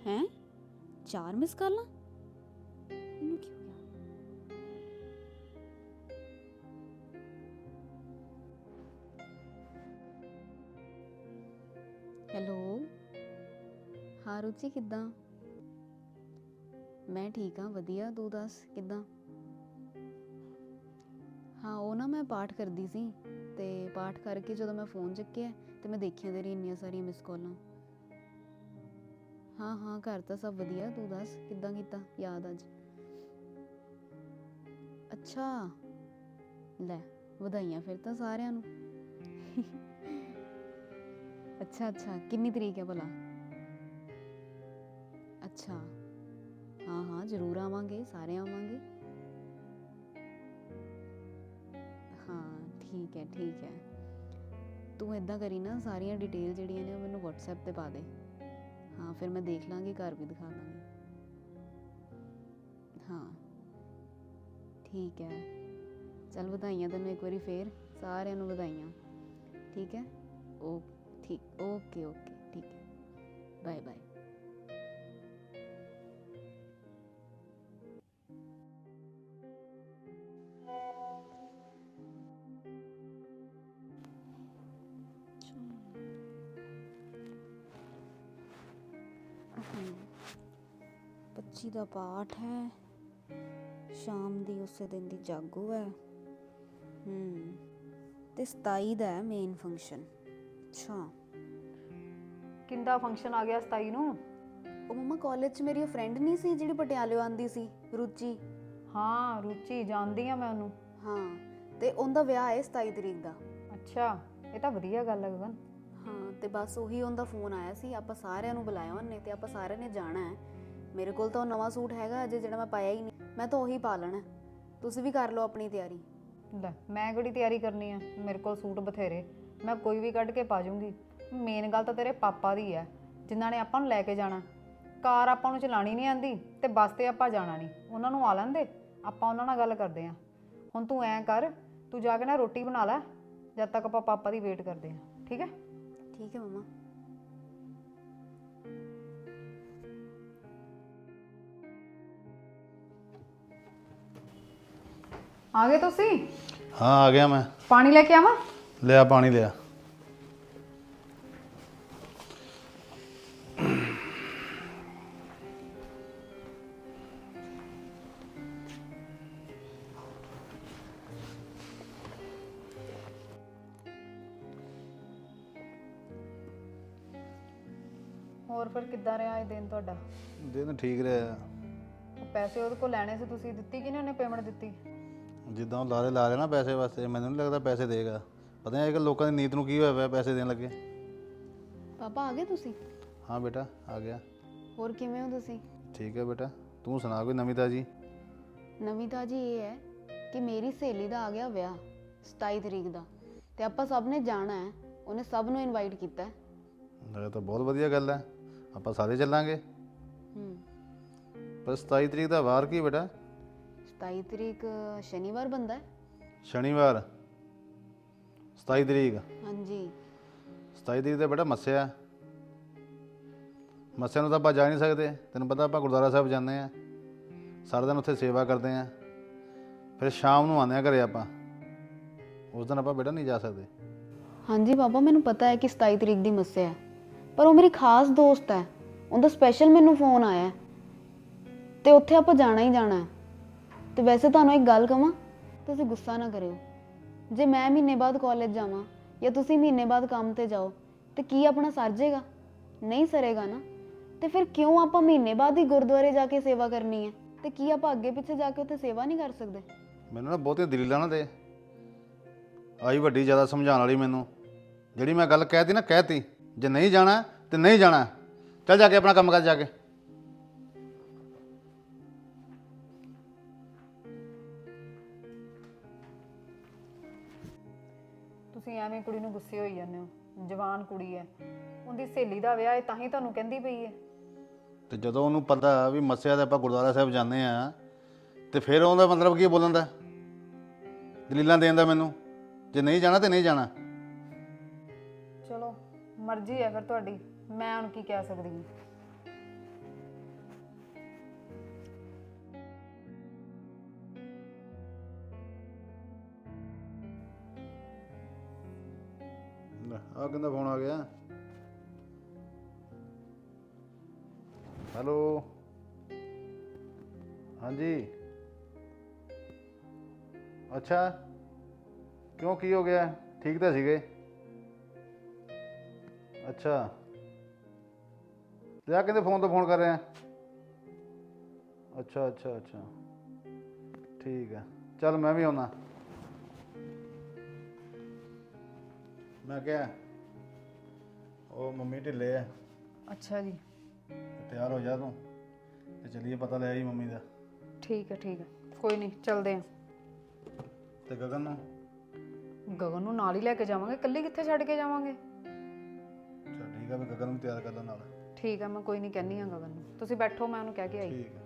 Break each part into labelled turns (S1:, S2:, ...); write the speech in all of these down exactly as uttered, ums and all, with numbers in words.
S1: हैं चार miss call इनू की हो गया? हेलो हाँ रुचि किद्दां? मैं ठीक हाँ वधिया तू दस किद्दां? हाँ वो ना मैं पाठ करदी सी ते पाठ करके जो मैं फोन चुक्या तो मैं देखिया तेरी इन्नियां सारियां मिस कॉलां। हाँ हाँ घर तो सब वधिया तू दस किद्दां कीता याद अज? अच्छा लै वधाइयां फिर तो सारियां नूं। अच्छा अच्छा किन्नी तरीक है भला? अच्छा हाँ हाँ जरूर आवांगे सारे आवांगे। हाँ ठीक है ठीक है तू इदा करी ना सारिया डिटेल जिहड़ियां ने मैनू व्हाट्सएप ते पा दे। हाँ फिर मैं देख लाँगी घर भी दिखा दाँगी। हाँ ठीक है चल वधाइयां तैनूं एक बारी फिर सारिਆਂ ਨੂੰ वधाइयां। ठीक है ओ ठीक ओके ओके ठीक है बाय बाय। पच्ची का पाठ है शाम दी उसे दिन दी जागो है हम्म ते सताई दा है मेन फंक्शन। अच्छा
S2: किंदा फंक्शन आ गया सताई नूं?
S1: ओ मम्मा कॉलेज च मेरी फ्रेंड नहीं सी जिहड़ी पटियाले आंदी सी रुचि?
S2: हाँ रुचि जानदी आ मैं ਉਹਨੂੰ।
S1: हाँ ते उनदा विआह है सताई तरीक दा।
S2: अच्छा ਇਹ ਤਾਂ ਵਧੀਆ ਗੱਲ ਹੈ ਗਗਨ।
S1: हाँ ते बस ਉਹੀ ਉਹਦਾ ਫੋਨ ਆਇਆ ਸੀ ਆਪਾਂ ਸਾਰਿਆਂ ਨੂੰ ਬੁਲਾਇਆ ਉਹਨੇ ਤੇ ਆਪਾਂ ਸਾਰਿਆਂ ਨੇ ਜਾਣਾ ਹੈ। ਮੇਰੇ ਕੋਲ ਤਾਂ ਉਹ ਨਵਾਂ ਸੂਟ ਹੈਗਾ ਅਜੇ ਜਿਹੜਾ ਮੈਂ ਪਾਇਆ ਹੀ ਨਹੀਂ ਮੈਂ ਤਾਂ ਉਹੀ ਪਾ ਲੈਣਾ। ਤੁਸੀਂ ਵੀ ਕਰ ਲਓ ਆਪਣੀ ਤਿਆਰੀ।
S2: ਲੈ ਮੈਂ ਕਿਹੜੀ ਤਿਆਰੀ ਕਰਨੀ ਆ ਮੇਰੇ ਕੋਲ ਸੂਟ ਬਥੇਰੇ ਮੈਂ ਕੋਈ ਵੀ ਕੱਢ ਕੇ ਪਾ ਜੂੰਗੀ। ਮੇਨ ਗੱਲ ਤਾਂ ਤੇਰੇ ਪਾਪਾ ਦੀ ਹੈ ਜਿਨ੍ਹਾਂ ਨੇ ਆਪਾਂ ਨੂੰ ਲੈ ਕੇ ਜਾਣਾ। ਕਾਰ ਆਪਾਂ ਨੂੰ ਚਲਾਣੀ ਨਹੀਂ ਆਂਦੀ ਤੇ ਬੱਸ ਤੇ ਆਪਾਂ ਜਾਣਾ ਨਹੀਂ ਉਹਨਾਂ ਨੂੰ ਆ ਲੈਂਦੇ ਆਪਾਂ ਉਹਨਾਂ ਨਾਲ ਗੱਲ ਕਰਦੇ ਆਂ। ਹੁਣ ਤੂੰ ਐਂ ਕਰ ਤੂੰ ਜਾ ਕੇ ਨਾ ਰੋਟੀ ਬਣਾ ਲੈ ਜਦ ਤੱਕ ਆਪਾਂ ਪਾਪਾ ਦੀ ਵੇਟ ਕਰਦੇ ਆਂ ਠੀਕ ਹੈ?
S1: ठीक है मम्मा।
S2: ਆ ਗਏ ਤੁਸੀਂ?
S3: हाँ आ गया मैं।
S2: ਪਾਣੀ ਲੈ ਕੇ ਆਵਾਂ?
S3: लिया पानी लिया।
S2: ਹੋਰ ਫਿਰ ਕਿੱਦਾਂ ਰਿਹਾ ਇਹ ਦਿਨ ਤੁਹਾਡਾ?
S3: दिन ठीक रहा
S2: ਉਹ ਪੈਸੇ ਉਹਦੇ ਕੋਲ ਲੈਣੇ ਸੀ ਤੁਸੀਂ ਦਿੱਤੀ ਕਿ ਨਹੀਂ ਉਹਨੇ ਪੇਮੈਂਟ ਦਿੱਤੀ?
S3: जिदा ला रहे ला रहे ना पैसे वास्ते मैंने नहीं लगता पैसे देगा। पता नहीं अजकल लोगों की नीत नूं की होया पैसे देने लगे।
S1: पापा आ गए तुसी?
S3: हाँ बेटा आ गया।
S1: ਹੋਰ ਕਿਵੇਂ ਹੋ ਤੁਸੀਂ?
S3: ठीक है बेटा तू सुना कोई नवी ताजी?
S1: ਨਵੀਂ ਤਾਜੀ ਇਹ ਹੈ ਕਿ ਮੇਰੀ ਸਹੇਲੀ ਦਾ ਆ ਗਿਆ ਵਿਆਹ ਸਤਾਈ ਤਰੀਕ ਦਾ ਤੇ ਆਪਾਂ ਸਭ ਨੇ ਜਾਣਾ ਹੈ। ਉਹਨੇ ਸਭ ਨੂੰ ਇਨਵਾਈਟ ਕੀਤਾ ਹੈ।
S3: ये तो बहुत वधिया गल है आप सारे चलांगे।
S1: ਹੂੰ
S3: पर सताई तरीक का वार की बेटा?
S1: सताई तरीक शनिवार बनता है।
S3: शनिवार सताई तरीक?
S1: हाँ जी
S3: सताई तरीक तो बेटा मस्या मस्या तो आप जा नहीं सकते। तेन पता आप गुरुद्वारा साहब जाते हैं सारा दिन उत्थे सेवा करते हैं फिर शाम को आने घरे आप उस दिन आप बेटा नहीं जा सकते।
S1: हाँ जी पापा मैनू पता है कि सताई तरीक की मस्या है पर वो मेरी खास दोस्त है उनका स्पैशल मैनू फोन आया तो उत्थे आप जाना ही जाना है। तो वैसे तुहानू एक गल कहां तुसीं गुस्सा ना करियो जे मैं महीने बाद कॉलेज जावां या तुसीं महीने बाद काम ते जाओ तो की अपना सर जाएगा? नहीं सरेगा ना। तो फिर क्यों आप महीने बाद ही गुरुद्वारे जाके सेवा करनी है तो की आप अगे पिछे जाके उत्थे सेवा नहीं कर सकते?
S3: मैनू ना बहुतियां दलीलां ना दे आई वड्डी ज़्यादा समझाने वाली मैनू जिहड़ी मैं गल कहती ना कहती जे नहीं जाना तो नहीं जाना चल जाके अपना काम कर जाके।
S2: ਤੁਸੀਂ ਐਵੇਂ ਕੁੜੀ ਨੂੰ ਗੁੱਸੇ ਹੋਈ ਜਾਂਦੇ ਹੋ ਜਵਾਨ ਕੁੜੀ ਹੈ ਉਹਦੀ ਸਹੇਲੀ ਦਾ ਵਿਆਹ ਹੈ ਤਾਂ ਹੀ ਤੁਹਾਨੂੰ ਕਹਿੰਦੀ ਪਈ ਹੈ।
S3: ਤੇ ਜਦੋਂ ਉਹਨੂੰ ਪਤਾ ਵੀ ਮੱਸਿਆ ਤੇ ਆਪਾਂ ਗੁਰਦੁਆਰਾ ਸਾਹਿਬ ਜਾਂਦੇ ਆ ਤੇ ਫਿਰ ਉਹਦਾ ਮਤਲਬ ਕੀ ਬੋਲਣ ਦਾ ਦਲੀਲਾਂ ਦੇਣ ਦਾ ਮੈਨੂੰ ਜੇ ਨਹੀਂ ਜਾਣਾ ਤੇ ਨਹੀਂ ਜਾਣਾ।
S2: ਚਲੋ ਮਰਜ਼ੀ ਹੈ ਫਿਰ ਤੁਹਾਡੀ ਮੈਂ ਹੁਣ ਕੀ ਕਹਿ ਸਕਦੀ ਹਾਂ।
S3: ਆ ਕਿੰਦਾ ਫੋਨ ਆ ਗਿਆ? ਹੈਲੋ, ਹਾਂਜੀ। ਅੱਛਾ, ਕਿਉਂ ਕੀ ਹੋ ਗਿਆ? ਠੀਕ ਤਾਂ ਸੀਗੇ। ਅੱਛਾ, ਤੇ ਆ ਕਹਿੰਦੇ ਫੋਨ ਤੋਂ ਫੋਨ ਕਰ ਰਿਹਾ। ਅੱਛਾ ਅੱਛਾ ਅੱਛਾ, ਠੀਕ ਹੈ, ਚੱਲ ਮੈਂ ਵੀ ਆਉਣਾ। ਮੈਂ ਕਿਹਾ ਉਹ ਮੰਮੀ ਢਿੱਲੇ ਆ,
S2: ਅੱਛਾ ਜੀ,
S3: ਤਿਆਰ ਹੋ ਜਾ ਤੂੰ ਤੇ ਚਲੀਏ, ਪਤਾ ਲੈ ਆਈ ਮੰਮੀ ਦਾ।
S2: ਠੀਕ ਹੈ ਠੀਕ ਹੈ, ਕੋਈ ਨਹੀਂ ਚੱਲਦੇ ਆ।
S3: ਤੇ ਗਗਨ ਨੂੰ?
S2: ਗਗਨ ਨੂੰ ਨਾਲ ਹੀ ਲੈ ਕੇ ਜਾਵਾਂਗੇ, ਇਕੱਲੀ ਕਿੱਥੇ ਛੱਡ ਕੇ ਜਾਵਾਂਗੇ।
S3: ਚਲ ਠੀਕ ਆ, ਵੀ ਗਗਨ ਨੂੰ ਤਿਆਰ ਕਰ ਲੈ ਨਾਲ।
S2: ਠੀਕ ਹੈ, ਮੈਂ ਕੋਈ ਨਹੀਂ ਕਹਿੰਦੀ ਆ ਗਗਨ ਨੂੰ, ਤੁਸੀਂ ਬੈਠੋ, ਮੈਂ ਉਹਨੂੰ ਕਹਿ ਕੇ ਆਈ।
S3: ਠੀਕ ਹੈ।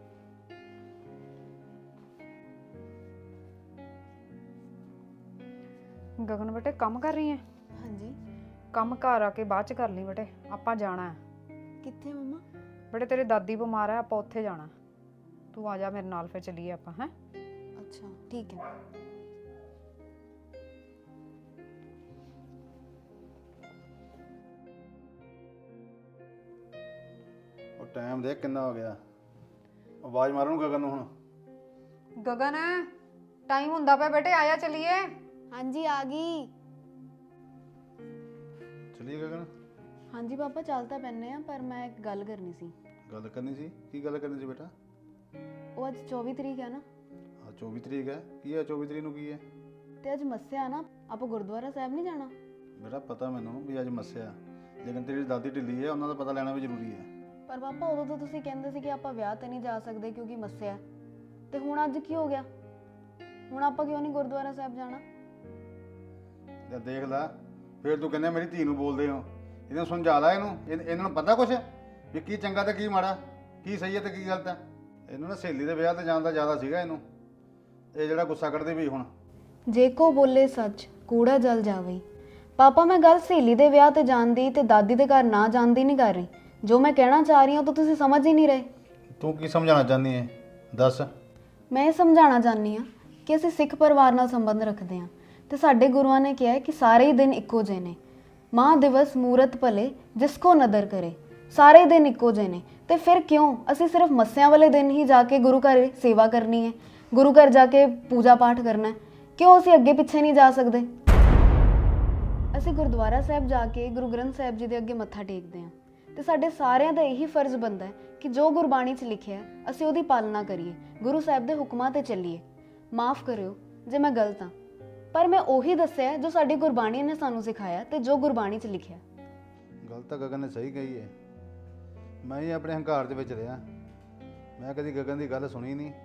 S2: ਗਗਨ ਬੇਟੇ ਕੰਮ ਕਰ ਰਹੀ ਹੈ?
S1: ਹਾਂਜੀ।
S2: ਕੰਮ ਘਰ ਆ ਕੇ ਬਾਅਦ ਚ ਕਰ ਲਈ ਬੇਟੇ, ਆਪਾਂ ਜਾਣਾ ਹੈ।
S1: ਕਿੱਥੇ ਮੰਮਾ?
S2: ਬੇਟੇ ਤੇਰੀ ਦਾਦੀ ਬਿਮਾਰ ਹੈ, ਆਪਾਂ ਉੱਥੇ ਜਾਣਾ। ਤੂੰ ਆ ਜਾ ਮੇਰੇ ਨਾਲ, ਫਿਰ ਚੱਲੀਏ ਆਪਾਂ। ਹੈ
S1: ਅੱਛਾ ਠੀਕ ਹੈ।
S3: ਉਹ ਟਾਈਮ ਦੇਖ ਕਿੰਨਾ ਹੋ ਗਿਆ, ਆਵਾਜ਼ ਮਾਰਨ ਨੂੰ ਗਗਨ ਨੂੰ ਹੁਣ।
S2: ਗਗਨ ਟਾਈਮ ਹੁੰਦਾ ਪਿਆ ਬੇਟੇ, ਆਇਆ ਚੱਲੀਏ।
S1: ਹਾਂਜੀ ਆ ਗਈ।
S3: ਚਲੀਏ ਗਗਨ।
S1: ਹਾਂਜੀ ਪਾਪਾ ਚੱਲ ਤਾਂ ਪੈਨੇ ਆ, ਪਰ ਮੈਂ ਇੱਕ ਗੱਲ ਕਰਨੀ ਸੀ।
S3: ਗੱਲ ਕਰਨੀ ਸੀ? ਕੀ ਗੱਲ ਕਰਨੀ ਸੀ ਬੇਟਾ?
S1: ਉਹ ਅੱਜ ਚੌਵੀ ਤਰੀਕ ਹੈ ਨਾ?
S3: ਆ ਚੌਵੀ ਤਰੀਕ ਹੈ, ਕੀ ਹੈ ਚੌਵੀ ਤਰੀਕ ਨੂੰ ਕੀ ਹੈ?
S1: ਤੇ ਅੱਜ ਮੱਸਿਆ ਨਾ, ਆਪਾਂ ਗੁਰਦੁਆਰਾ ਸਾਹਿਬ ਨਹੀਂ ਜਾਣਾ?
S3: ਬੇਟਾ ਪਤਾ ਮੈਨੂੰ ਵੀ ਅੱਜ ਮੱਸਿਆ, ਲੇਕਿਨ ਤੇਰੀ ਦਾਦੀ ਢਿੱਲੀ ਹੈ, ਉਹਨਾਂ ਦਾ ਪਤਾ ਲੈਣਾ ਵੀ ਜ਼ਰੂਰੀ ਹੈ।
S1: ਪਰ ਪਾਪਾ ਉਦੋਂ ਤਾਂ ਤੁਸੀਂ ਕਹਿੰਦੇ ਸੀ ਕਿ ਆਪਾਂ ਵਿਆਹ ਤੇ ਨਹੀਂ ਜਾ ਸਕਦੇ ਕਿਉਂਕਿ ਮੱਸਿਆ ਹੈ। ਤੇ ਹੁਣ ਅੱਜ ਕੀ ਹੋ ਗਿਆ? ਹੁਣ ਆਪਾਂ ਕਿਉਂ ਨਹੀਂ ਗੁਰਦੁਆਰਾ ਸਾਹਿਬ ਜਾਣਾ?
S3: ਤੇ ਦੇਖ ਲੈ, ਫਿਰ ਤੂੰ ਕਹਿੰਦੇ ਮੇਰੀ ਧੀ ਨੂੰ ਬੋਲਦੇ ਹੋ। ਇਹਨੂੰ ਸਮਝਾ ਲੈ, ਇਹਨੂੰ ਇਹ- ਇਹਨਾਂ ਨੂੰ ਪਤਾ ਕੁਛ ਵੀ ਕੀ ਚੰਗਾ ਤੇ ਕੀ ਮਾੜਾ, ਕੀ ਸਹੀ ਹੈ ਤੇ ਕੀ ਗਲਤ ਹੈ। ਇਹਨੂੰ ਨਾ ਸਹੇਲੀ ਦੇ ਵਿਆਹ ਤੇ ਜਾਣ ਦਾ ਜ਼ਿਆਦਾ ਸੀਗਾ ਇਹਨੂੰ, ਇਹ ਜਿਹੜਾ ਗੁੱਸਾ ਕੱਢਦੀ ਵੀ ਹੁਣ।
S1: ਜੇ ਕੋ ਬੋਲੇ ਸੱਚ ਕੂੜਾ ਜਲ ਜਾਵੇ। ਪਾਪਾ ਮੈਂ ਗੱਲ ਸਹੇਲੀ ਦੇ ਵਿਆਹ ਤੇ ਜਾਣ ਦੀ ਤੇ ਦਾਦੀ ਦੇ ਘਰ ਨਾ ਜਾਣ ਦੀ ਨਹੀਂ ਕਰ ਰਹੀ। ਜੋ ਮੈਂ ਕਹਿਣਾ ਚਾਹ ਰਹੀ ਹਾਂ ਉਹ ਤਾਂ ਤੁਸੀਂ ਸਮਝ ਹੀ ਨਹੀਂ ਰਹੇ।
S3: ਤੂੰ ਕੀ ਸਮਝਾਉਣਾ ਚਾਹੁੰਦੀ ਹੈ, ਦੱਸ।
S1: ਮੈਂ ਇਹ ਸਮਝਾਉਣਾ ਚਾਹੁੰਦੀ ਹਾਂ ਕਿ ਅਸੀਂ ਸਿੱਖ ਪਰਿਵਾਰ ਨਾਲ ਸੰਬੰਧ ਰੱਖਦੇ ਹਾਂ ਤੇ ਸਾਡੇ ਗੁਰੂਆਂ ਨੇ ਕਿਹਾ ਹੈ ਕਿ ਸਾਰੇ ਹੀ ਦਿਨ ਇੱਕੋ ਜਿਹੇ ਨੇ। ਮਾਂ ਦਿਵਸ ਮੂਰਤ ਭਲੇ ਜਿਸ ਕੋ ਨਦਰ ਕਰੇ। ਸਾਰੇ ਦਿਨ ਇੱਕੋ ਜਿਹੇ ਨੇ, ਤੇ ਫਿਰ ਕਿਉਂ ਅਸੀਂ ਸਿਰਫ ਮੱਸਿਆਂ ਵਾਲੇ ਦਿਨ ਹੀ ਜਾ ਕੇ ਗੁਰੂ ਘਰ ਸੇਵਾ ਕਰਨੀ ਹੈ, ਗੁਰੂ ਘਰ ਜਾ ਕੇ ਪੂਜਾ ਪਾਠ ਕਰਨਾ ਹੈ? ਕਿਉਂ ਅਸੀਂ ਅੱਗੇ ਪਿੱਛੇ ਨਹੀਂ ਜਾ ਸਕਦੇ? ਅਸੀਂ ਗੁਰਦੁਆਰਾ ਸਾਹਿਬ ਜਾ ਕੇ ਗੁਰੂ ਗ੍ਰੰਥ ਸਾਹਿਬ ਜੀ ਦੇ ਅੱਗੇ ਮੱਥਾ ਟੇਕਦੇ ਹਾਂ ਤੇ ਸਾਡੇ ਸਾਰਿਆਂ ਦਾ ਇਹੀ ਫਰਜ਼ ਬਣਦਾ ਹੈ ਕਿ ਜੋ ਗੁਰਬਾਣੀ 'ਚ ਲਿਖਿਆ ਅਸੀਂ ਉਹਦੀ ਪਾਲਣਾ ਕਰੀਏ, ਗੁਰੂ ਸਾਹਿਬ ਦੇ ਹੁਕਮਾਂ ਤੇ ਚੱਲੀਏ। ਮਾਫ ਕਰਿਓ ਜੇ ਮੈਂ ਗਲਤ ਹਾਂ, ਪਰ ਮੈਂ ਉਹੀ ਦੱਸਿਆ ਜੋ ਸਾਡੀ ਗੁਰਬਾਣੀ ਨੇ ਸਾਨੂੰ ਸਿਖਾਇਆ ਤੇ ਜੋ ਗੁਰਬਾਣੀ 'ਚ ਲਿਖਿਆ।
S3: ਗੱਲ ਤਾਂ ਗਗਨ ਨੇ ਸਹੀ ਕਹੀ ਹੈ। ਮੈਂ ਹੀ ਆਪਣੇ ਹੰਕਾਰ ਦੇ ਵਿੱਚ ਰਿਹਾ, ਮੈਂ ਕਦੀ ਗਗਨ ਦੀ ਗੱਲ ਸੁਣੀ ਨਹੀਂ।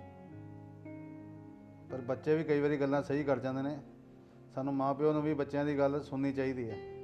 S3: ਪਰ ਬੱਚੇ ਵੀ ਕਈ ਵਾਰੀ ਗੱਲਾਂ ਸਹੀ ਕਰ ਜਾਂਦੇ ਨੇ। ਸਾਨੂੰ ਮਾਂ ਪਿਓ ਨੂੰ ਵੀ ਬੱਚਿਆਂ ਦੀ ਗੱਲ ਸੁਣਨੀ ਚਾਹੀਦੀ ਹੈ।